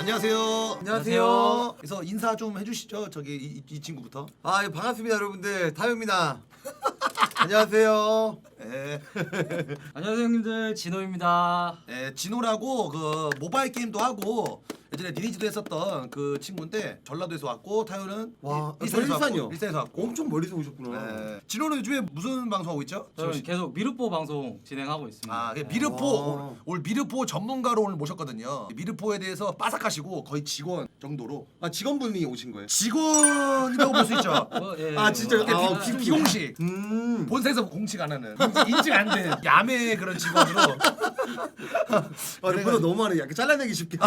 안녕하세요. 안녕하세요. 그래서 인사 좀 해주시죠. 저기 이 친구부터. 아, 예, 반갑습니다, 여러분들. 타요입니다. 안녕하세요. 예. 안녕하세요 형님들, 진호입니다. 예, 진호라고 그 모바일 게임도 하고 예전에 리니지도 했었던 그 친구인데 전라도에서 왔고 타요는 와, 일산에서 일산이요? 왔고, 일산에서 왔고. 엄청 멀리서 오셨구나. 예. 진호는 요즘에 무슨 방송하고 있죠? 저는 계속 미르뽀 방송 진행하고 있습니다. 아, 네. 미르포 와. 오늘 미르포 전문가로 오늘 모셨거든요. 미르포에 대해서 빠삭하시고 거의 직원 정도로 아, 직원분이 오신 거예요? 직원이라고 볼 수 있죠. 예, 아, 진짜? 이게 아, 비공식. 본사에서 공식 안 하는 인증 안 된 야매 그런 직원으로. 아, 보다 너무 많네. 약간 잘라내기 쉽게.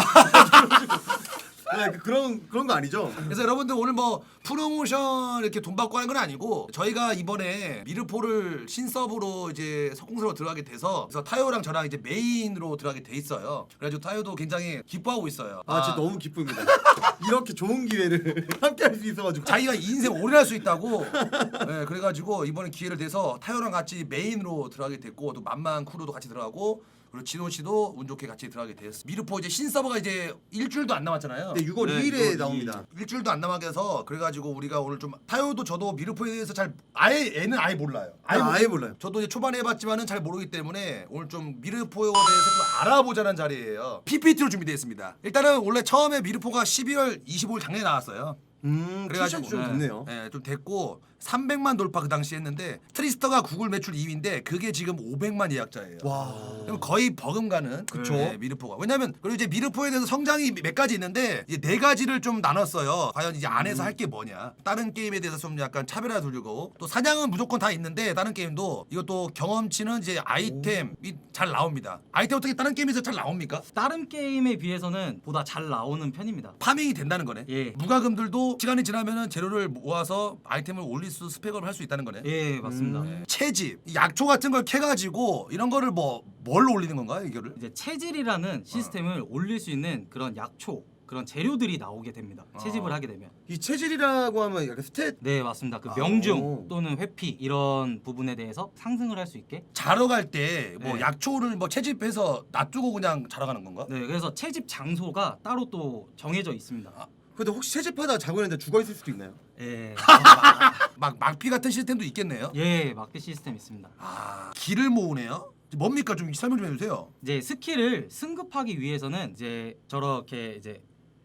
네, 그런 거 아니죠? 그래서 여러분들 오늘 뭐 프로모션 이렇게 돈 받고 하는 건 아니고 저희가 이번에 미르포를 신서브로 이제 석공서로 들어가게 돼서 그래서 타요랑 저랑 이제 메인으로 들어가게 돼 있어요. 그래가지고 타요도 굉장히 기뻐하고 있어요. 아, 진짜 너무 기쁩니다. 이렇게 좋은 기회를 함께 할 수 있어가지고. 자기가 인생 오래 할 수 있다고. 네, 그래가지고 이번에 기회를 돼서 타요랑 같이 메인으로 들어가게 됐고 또 만만 크루도 같이 들어가고 그리고 진호 씨도 운 좋게 같이 들어가게 되었어. 미르포 이제 신서버가 이제 일주일도 안 남았잖아요. 네, 6월 2일에 나옵니다. 일주일도 안 남아게 해서 그래가지고 우리가 오늘 좀 타요도 저도 미르포에 대해서 잘 애는 아예 몰라요. 아예 몰라요. 저도 이제 초반에 해봤지만은 잘 모르기 때문에 오늘 좀 미르포에 대해서 좀 알아보자는 자리예요. PPT로 준비되어 있습니다. 일단은 원래 처음에 미르포가 12월 25일 작년에 나왔어요. 그래가지고 좀 됐네요. 네, 좀 됐고 300만 돌파 그 당시 했는데 트리스터가 구글 매출 2위인데 그게 지금 500만 예약자예요. 와. 그럼 거의 버금가는 그쵸. 네, 미르포가. 왜냐면 그리고 이제 미르포에 대해서 성장이 몇 가지 있는데 이제 네 가지를 좀 나눴어요. 과연 이제 안에서 할 게 뭐냐. 다른 게임에 대해서 좀 약간 차별화 두려고 또 사냥은 무조건 다 있는데 다른 게임도 이것도 경험치는 이제 아이템이 잘 나옵니다. 아이템 어떻게 다른 게임에서 잘 나옵니까? 다른 게임에 비해서는 보다 잘 나오는 편입니다. 파밍이 된다는 거네. 예. 무과금들도 시간이 지나면은 재료를 모아서 아이템을 올릴 수 스펙업을 할 수 있다는 거네. 예, 맞습니다. 채집, 약초 같은 걸 캐가지고 이런 거를 뭘로 올리는 건가요, 이거를? 이제 체질이라는 시스템을 올릴 수 있는 그런 약초, 그런 재료들이 나오게 됩니다. 채집을 하게 되면. 이 체질이라고 하면 약간 스탯. 네, 맞습니다. 그 오. 명중 또는 회피 이런 부분에 대해서 상승을 할 수 있게. 자러 갈 때 뭐 네. 약초를 뭐 채집해서 놔두고 그냥 자러 가는 건가? 네, 그래서 채집 장소가 따로 또 정해져 있습니다. 근데 혹시 채집하다 자고 있는데 죽어 있을 수도 있나요? 예. 막 막피 같은 시스템도 있겠네요. 예, 마켓 시스템 있습니다. 아, 길을 모으네요. 뭡니까 좀 설명 좀 해주세요. 이제 스킬을 승급하기 위해서는 이제 저렇게 이제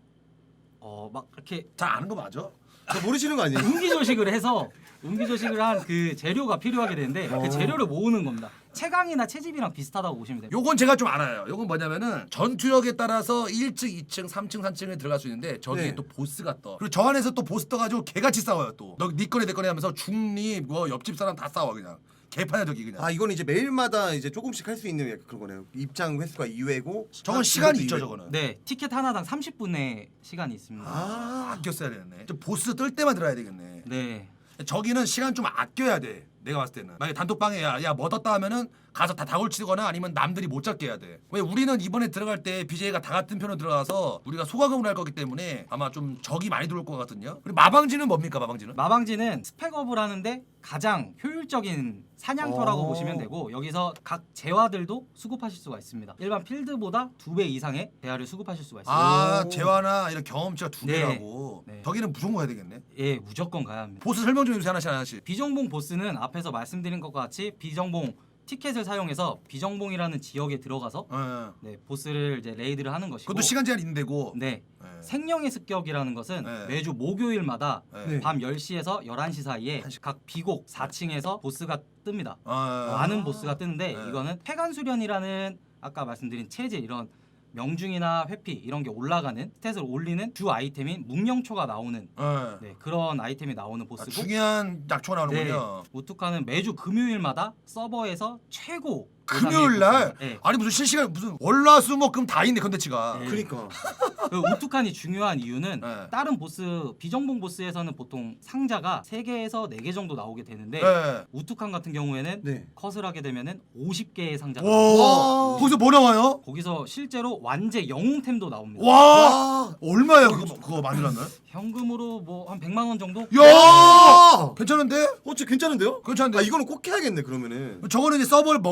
막 이렇게 잘 아는 거 맞아? 저 모르시는 거 아니에요? 음기조식을 해서 음기조식을 한 그 재료가 필요하게 되는데 그 재료를 모으는 겁니다. 채광이나 채집이랑 비슷하다고 보시면 됩니다. 요건 제가 좀 알아요. 요건 뭐냐면은 전투력에 따라서 1층, 2층, 3층, 4층에 들어갈 수 있는데 저기에 네. 또 보스가 떠. 그리고 저 안에서 또 보스 떠가지고 개같이 싸워요 또. 너 네 거네 내 거네 하면서 중립 뭐 옆집 사람 다 싸워 그냥. 개판이야 저기 그냥. 아, 이건 이제 매일마다 이제 조금씩 할 수 있는 약간 그런 거네요. 입장 횟수가 2회고. 저건 시간이 있죠 저거는. 네, 티켓 하나당 30분의 시간이 있습니다. 아, 아껴 써야 되겠네. 저 보스 뜰 때만 들어야 되겠네. 네. 저기는 시간 좀 아껴야 돼. 내가 봤을 때는. 만약에 단톡방에 야뭐 떴다 하면은 가서 다 다굴 치거나 아니면 남들이 못 잡게 해야 돼. 왜 우리는 이번에 들어갈 때 BJ가 다 같은 편으로 들어가서 우리가 소과금을 할 거기 때문에 아마 좀 적이 많이 들어올 것 같거든요. 그리고 마방지는 뭡니까 마방지는? 마방지는 스펙업을 하는데 가장 효율적인 사냥터라고 오. 보시면 되고 여기서 각 재화들도 수급하실 수가 있습니다. 일반 필드보다 2배 이상의 재화를 수급하실 수가 있습니다. 아 오. 재화나 이런 경험치가 두 네. 배라고. 네. 저기는 무조건 가야 되겠네. 예, 무조건 가야 합니다. 보스 설명 좀 해주세요 하나씩. 비정봉 보스는 앞에서 말씀드린 것과 같이 비정봉 티켓을 사용해서 비정봉이라는 지역에 들어가서 네, 보스를 이제 레이드를 하는 것이고 그것도 시간 제한 있는 데고. 네. 네. 생명의 습격이라는 것은 네. 매주 목요일마다 네. 밤 10시에서 11시 사이에 각 비곡 4층에서 보스가 뜹니다. 많은 보스가 뜨는데 네. 이거는 폐간 수련이라는 아까 말씀드린 체질 이런 명중이나 회피 이런 게 올라가는 스탯을 올리는 주 아이템인 묵령초가 나오는 네, 그런 아이템이 나오는 보스고 중요한 약초가 나오는군요. 우투카는 매주 금요일마다 서버에서 최고 금요일 날? 네. 아니 무슨 실시간 무슨 월화수목금 다 있네 컨텐츠가. 네. 그러니까. 그 우투칸이 중요한 이유는 네. 다른 보스 비정봉 보스에서는 보통 상자가 3개에서 4개 정도 나오게 되는데 네. 우투칸 같은 경우에는 네. 컷을 하게 되면은 50개의 상자가 와. 나옵니다. 거기서 뭐 나와요? 거기서 실제로 완제 영웅템도 나옵니다. 와. 얼마야 그거 만들었나? 현금으로 뭐 한 100만 원 정도? 야! 괜찮은데? 진짜 괜찮은데요? 괜찮은데? 아, 이거는 꼭 해야겠네 그러면은. 저거는 이제 서버를 먹는 사람들이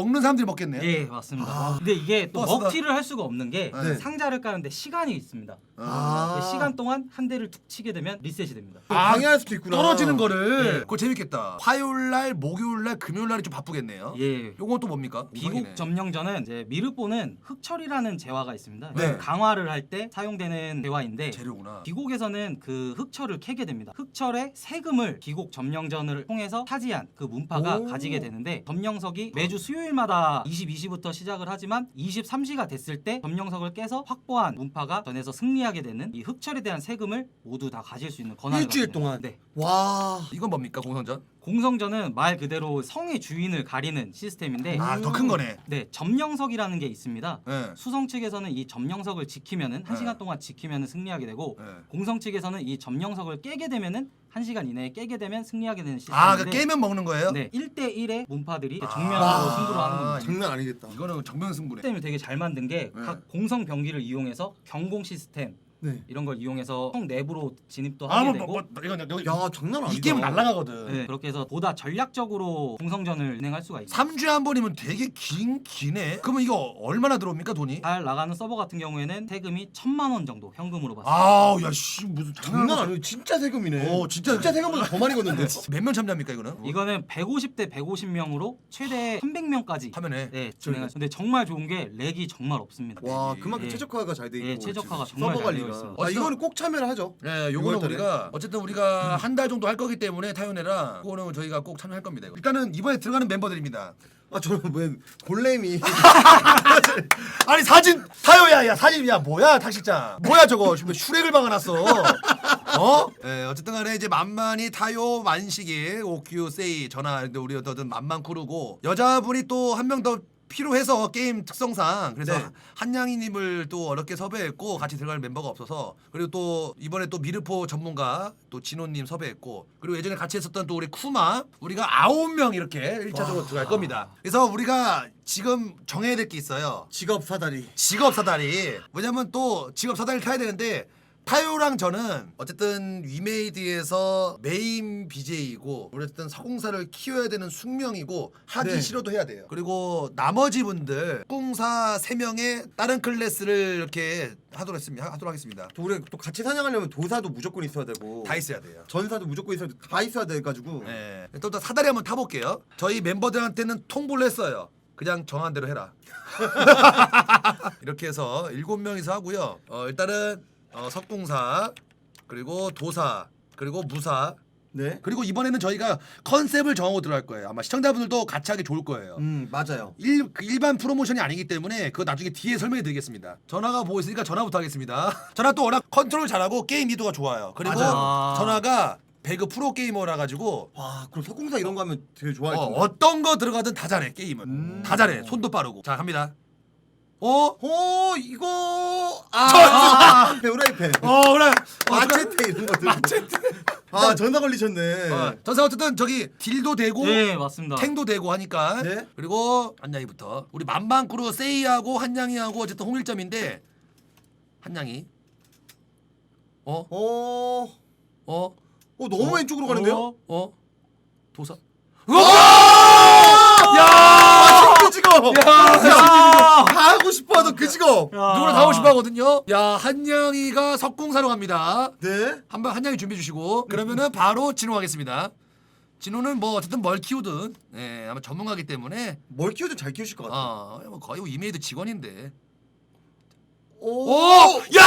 먹겠네요. 예, 맞습니다. 근데 이게 또 버스다. 먹튀를 할 수가 없는 게 네. 상자를 까는데 시간이 있습니다. 아. 그 시간 동안 한 대를 툭 치게 되면 리셋이 됩니다. 방해할 수도 있구나. 떨어지는 거를. 네. 그거 재밌겠다. 화요일 날, 목요일 날, 금요일 날이 좀 바쁘겠네요. 예. 요건 또 뭡니까? 비곡 점령전은 이제 미르포는 흑철이라는 재화가 있습니다. 네. 강화를 할 때 사용되는 재화인데 재료구나. 비곡에서는 그 흑철을 캐게 됩니다. 흑철의 세금을 비곡 점령전을 통해서 차지한 그 문파가 오. 가지게 되는데 점령석이 매주 수요일마다 22시부터 시작을 하지만 23시가 됐을 때 점령석을 깨서 확보한 문파가 전에서 승리하게 되는 이 흑철에 대한 세금을 모두 다 가질 수 있는 권한을 일주일 갖게 동안. 됩니다. 네. 와. 이건 뭡니까 공성전? 공성전은 말 그대로 성의 주인을 가리는 시스템인데 아 더 큰 거네. 네, 점령석이라는 게 있습니다. 네. 수성 측에서는 이 점령석을 지키면은 네. 1시간 동안 지키면은 승리하게 되고 네. 공성 측에서는 이 점령석을 깨게 되면은 1시간 이내에 깨게 되면 승리하게 되는 아, 시스템인데 그 깨면 먹는 거예요? 네, 1대1의 문파들이 아. 정면으로 승부를 하는 겁니다. 장난 아니겠다. 이거는 정면 승부네. 시스템을 되게 잘 만든 게 네. 각 공성 병기를 이용해서 경공 시스템 네. 이런 걸 이용해서 성 내부로 진입도 아, 하게 뭐, 되고 이건 여기 야, 장난 아니다. 이 게임 날라가거든. 네, 그렇게 해서 보다 전략적으로 공성전을 진행할 수가 있습니다. 3주에 한 번이면 되게 기네. 그러면 이거 얼마나 들어옵니까 돈이? 잘 나가는 서버 같은 경우에는 세금이 1,000만 원 정도 현금으로 받습니다. 아우 야씨 무슨 장난 아니에요. 진짜 세금이네. 진짜 세금보다 더 많이 걷는데. 몇 명 참여합니까 이거는? 이거는 150대 150명으로 최대 300명까지 화면에 네, 진행할 수. 근데 정말 좋은 게 렉이 정말 없습니다. 와, 그만큼 예. 최적화가 잘 돼 있고. 예, 최적화가 지금 정말 서버 잘 되어 관리가. 있습니다. 아, 이거는 꼭 참여를 하죠. 네, 요거는 6월달에. 우리가 어쨌든 우리가 한 달 정도 할 거기 때문에 타요네랑 그거는 저희가 꼭 참여할 겁니다. 이거. 일단은 이번에 들어가는 멤버들입니다. 아, 저는 왜 골렘이 아니 사진 타요야 야 사진 야 뭐야 탁실장 뭐야 저거 지금 슈렉을 박아놨어. 어? 네, 어쨌든 간에 이제 만만히 타요 만식이 오큐 세이 전화 근데 우리 어떤 만만 크루고 여자분이 또 한 명 더 필요해서 게임 특성상 그래서 네. 한양이님을 또 어렵게 섭외했고 같이 들어갈 멤버가 없어서 그리고 또 이번에 또 미르포 전문가 또 진호님 섭외했고 그리고 예전에 같이 했었던 또 우리 쿠마 우리가 9명 이렇게 1차적으로 들어갈 겁니다. 그래서 우리가 지금 정해야 될 게 있어요. 직업 사다리. 직업 사다리. 왜냐면 또 직업 사다리를 타야 되는데 타요랑 저는 어쨌든 위메이드에서 메인 BJ이고 어쨌든 서공사를 키워야 되는 숙명이고 하기 네. 싫어도 해야 돼요. 그리고 나머지 분들 서공사 3명의 다른 클래스를 이렇게 하도록 하겠습니다. 또 우리 또 같이 사냥하려면 도사도 무조건 있어야 되고. 다 있어야 돼요. 전사도 무조건 있어야 돼. 다 있어야 돼 가지고. 네. 또 사다리 한번 타볼게요. 저희 멤버들한테는 통보를 했어요. 그냥 정한 대로 해라. 이렇게 해서 7명이서 하고요. 일단은 석공사 그리고 도사 그리고 무사 네. 그리고 이번에는 저희가 컨셉을 정하고 들어갈 거예요. 아마 시청자분들도 같이 하기 좋을 거예요. 맞아요. 일반 프로모션이 아니기 때문에 그거 나중에 뒤에 설명해 드리겠습니다. 전화가 보고 있으니까 전화부터 하겠습니다. 전화 또 워낙 컨트롤 잘하고 게임 이도가 좋아요. 그리고 맞아요. 전화가 배그 프로 게이머라 가지고 와, 그럼 석공사 이런 거 하면 되게 좋아할 텐데. 어떤 거 들어가든 다 잘해 게임은. 다 잘해. 손도 빠르고. 자 갑니다. 이거 배우라이팬. 그래. 마체테 이런 것들. 아, 전사 걸리셨네. 전사 어쨌든 저기 딜도 되고 네, 맞습니다. 탱도 되고 하니까. 네. 그리고 한양이부터 우리 만만크루 세이하고 한양이하고 어쨌든 홍일점인데 한양이 너무 왼쪽으로 가는데요? 도사. 야! 그 직업. 다 하고 싶어 하던 그 직업. 누구나 다 하고 싶어 하거든요. 야, 한양이가 석궁사로 갑니다. 네. 한번 한양이 준비해 주시고 그러면은 바로 진호하겠습니다. 진호는 뭐 어쨌든 뭘 키우든 아마 전문가기 때문에 뭘 키우든 잘 키우실 것 같아요. 뭐 거의 이메이드 직원인데. 야!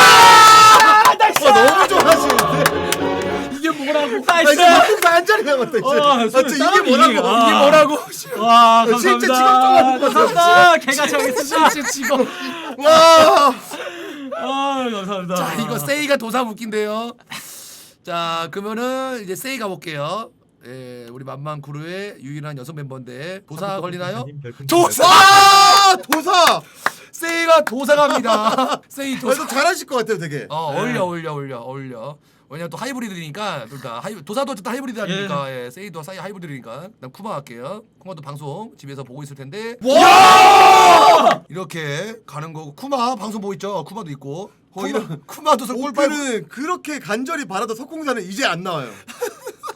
너무 좋아하시는데. 이게 뭐라고? 석공사 한 자리 남았다. 이제. 이게 뭐라고? 이게 뭐라고? 와, 감사합니다. 실제 직업 좀 하는 거죠. 감사합니다. 개같이 하겠습니다. 실제 직원. 와! 감사합니다. 자, 이거 세이가 도사 묶인데요. 자, 그러면은 이제 세이 가볼게요. 우리 만만크루의 유일한 여성 멤버인데 도사 걸리나요? 도사! 도사! 세이가 도사 갑니다. 세이 도사. 잘하실 것 같아요, 되게. 어울려. 왜냐면 또 하이브리드니까 둘 다 도사도 어쨌든 하이브리드 아닙니까? 세이도 사이 하이브리드니까. 난 쿠마 할게요. 쿠마도 방송 집에서 보고 있을 텐데. 와! 이렇게 가는 거고 쿠마 방송 보고 있죠? 쿠마도 있고. 이런 쿠마도 꿀빨고. 오프는 그렇게 간절히 바라던 석공사는 이제 안 나와요.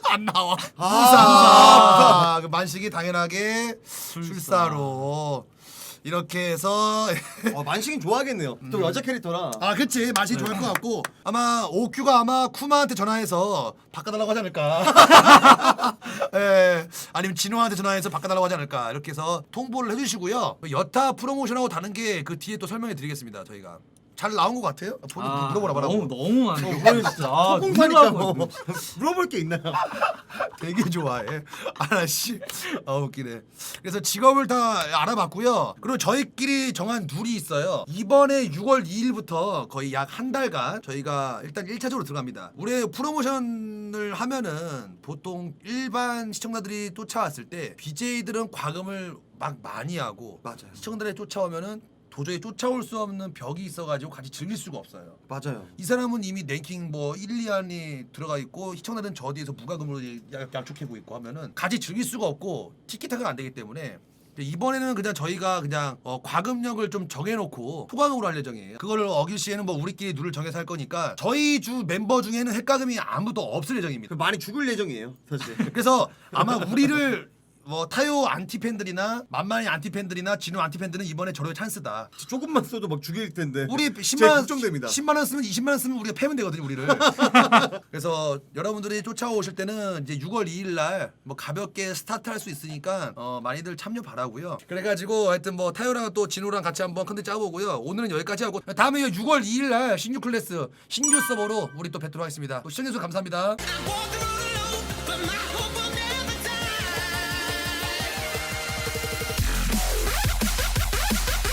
안 나와. 아. 그 만식이 당연하게 출사로 이렇게 해서 만식이 좋아하겠네요. 또 여자 캐릭터라. 아 그치 맛이 좋을 것 같고 아마 오큐가 아마 쿠마한테 전화해서 바꿔달라고 하지 않을까. 예, 아니면 진호한테 전화해서 바꿔달라고 하지 않을까 이렇게 해서 통보를 해주시고요. 여타 프로모션하고 다른 게 그 뒤에 또 설명해 드리겠습니다. 저희가 잘 나온 것 같아요? 물어보라 말하고. 너무 많네. 진짜. 소공사니까 뭐 물어볼 게 있나요? 되게 좋아해. 아씨, 웃기네. 그래서 직업을 다 알아봤고요. 그리고 저희끼리 정한 룰이 있어요. 이번에 6월 2일부터 거의 약 한 달간 저희가 일단 1차적으로 들어갑니다. 올해 프로모션을 하면은 보통 일반 시청자들이 쫓아왔을 때 BJ들은 과금을 막 많이 하고 맞아요. 시청자들이 쫓아오면은 도저히 쫓아올 수 없는 벽이 있어가지고 같이 즐길 수가 없어요. 맞아요. 이 사람은 이미 랭킹 뭐 1, 2안이 들어가 있고 시청자들은 저 뒤에서 무과금으로 약속하고 있고 하면은 같이 즐길 수가 없고 티키타가 안 되기 때문에 이번에는 그냥 저희가 그냥 과금력을 좀 정해놓고 소과금으로 할 예정이에요. 그거를 어길 시에는 뭐 우리끼리 룰을 정해서 할 거니까 저희 주 멤버 중에는 헷가금이 아무도 없을 예정입니다. 많이 죽을 예정이에요, 사실. 그래서 아마 우리를 뭐 타요 안티팬들이나 만만히 안티팬들이나 진우 안티팬들은 이번에 저럴 찬스다. 조금만 써도 막 죽일 텐데. 우리 제가 10만 걱정됩니다. 10만 원 쓰면 20만 원 쓰면 우리가 패면 되거든요, 우리를. 그래서 여러분들이 쫓아오실 때는 이제 6월 2일 날 뭐 가볍게 스타트할 수 있으니까 많이들 참여 바라고요. 그래가지고 하여튼 뭐 타요랑 또 진호랑 같이 한번 컨텐츠 짜보고요. 오늘은 여기까지 하고 다음에 6월 2일 날 신규 클래스 신규 서버로 우리 또 뵙도록 하겠습니다. 또 시청해주셔서 감사합니다.